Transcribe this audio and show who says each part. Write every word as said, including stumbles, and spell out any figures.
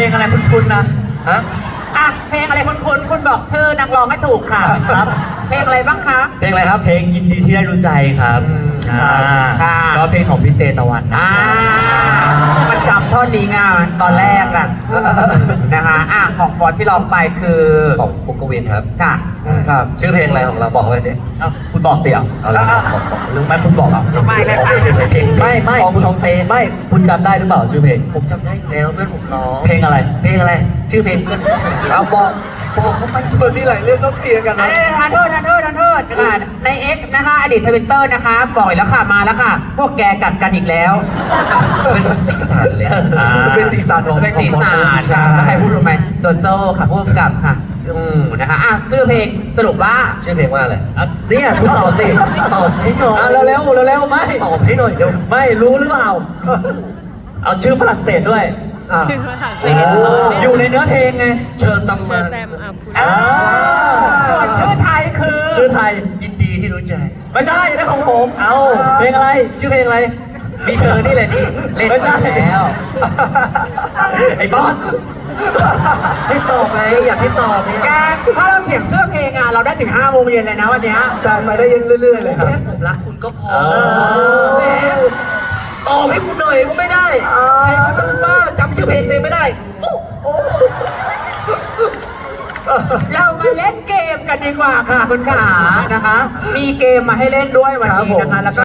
Speaker 1: งอะไรคุ้นๆนะ
Speaker 2: ฮะ
Speaker 3: อ่ะเพลงอะไรคุณคุณคุณบอกชื่อนักร้องไม่ถูกค่ะ
Speaker 1: ครับ
Speaker 3: เพลงอะไรบ้างคะ
Speaker 2: เพลงอะไรครับ
Speaker 1: เพลงยินดีที่ได้รู้ใจครับอ่าก็เพลงของพี่เตตะวันนะ
Speaker 3: อ่ามันจำท่อนนี้ไงตอนแรกอะนะคะอ่ะของฟอร์ที่ร้องไปคือ
Speaker 2: ของฟุกกวินครับ
Speaker 3: ค่ะ
Speaker 1: ครับ
Speaker 2: ชื่อเพลงอะไรของเราบอกเขาไปสิ
Speaker 1: เอ้าคุณบอกเสียง
Speaker 2: เอาละบอกบอกเรื่อง
Speaker 1: ไม่คุณบอกอ่ะ
Speaker 3: ไม่เลยค่ะ
Speaker 2: เพลง
Speaker 1: ไม่ไม่
Speaker 2: ของชองเต
Speaker 1: ไม่คุณจำได้หรือเปล่าชื่อเพลง
Speaker 2: ผมจำได้อยู่แล้วเพื่อนผมร้อง
Speaker 1: เพลงอะไร
Speaker 2: เพลงอะไร ชื่อเพลงเพื่อนผมชื่อ
Speaker 1: เอาบอก
Speaker 2: บอกเขาไปเปิดที่หลายเรื่องต้องเคลียร์กัน
Speaker 3: อัน
Speaker 2: นะ
Speaker 3: นี้ทันโทษทันโทษทันโทษค่ะในเอ็กนะคะอดีตทวิตเตอร์นะคะปล่อยแล้วค่ะมาแล้วค่ะ พวกแกกัดกันอีกแล้ว
Speaker 2: เป็นสีสันเลย
Speaker 1: อ่า
Speaker 2: เป็นสีสันของ
Speaker 3: เป็นสีสันค่ะแล้วใครพูดรู้ไหมตัวโจ้ค่ะพูดกับค่ะอืมนะคะอ่ะชื่อเพลงสรุปว่า
Speaker 2: ชื่อเพลงว่าอะไร
Speaker 1: อ่ะเนี่ยคุณตอบสิ
Speaker 2: ตอบให้หน่อย
Speaker 1: อ่ะเร็วๆเร็วๆไม่
Speaker 2: ตอบให้หน่อยเดี๋ยว
Speaker 1: ไม่รู้หรือเปล่า เอาชื่อฝรั่งเศสด้วย
Speaker 2: อ่ะ
Speaker 4: ชื่อภาษาเศ
Speaker 1: โอ้
Speaker 4: ส
Speaker 1: อยู่ในเนื้อเพลงไง
Speaker 2: เชิญตำ
Speaker 4: เช
Speaker 2: มา
Speaker 4: อร์แซมอัพพูด
Speaker 2: อ่า
Speaker 3: ส่วนชื่อไทยคือ
Speaker 1: ชื่อไทย
Speaker 2: ยินดีที่รู้ใจ
Speaker 1: ไม่ใช่นะของผม
Speaker 2: เอา
Speaker 1: เพลงอะไร
Speaker 2: ชื่อเพลงอะไร มีเธอนี่แหละนี่เล่น
Speaker 1: ไม่ใช่
Speaker 2: ไปแล้ว
Speaker 1: ไอ้บอส
Speaker 2: ให้ตอบไหมอยากให้ตอบเนี่ย
Speaker 3: แกถ้าเราเขียนชื่อเพลงอ่ะเราได้ถึงห้าโมงเย็นเลยนะวันเนี้ย
Speaker 2: ใช่ไปได้ยังเรื่อยๆเลยครับแค่ผมรักคุณก็พอแม่ตอบให้กูหน่อยก็ไม่ได้ใครมันต้องบ้าจำชื่อเพลงตัวเองไม่ได้โอ้โอ้
Speaker 3: เรามาเล่นเกมกันดีกว่าค่ะคุณขานะคะ มีเกมมาให้เล่นด้วยวันนี้นะคะแล้วก็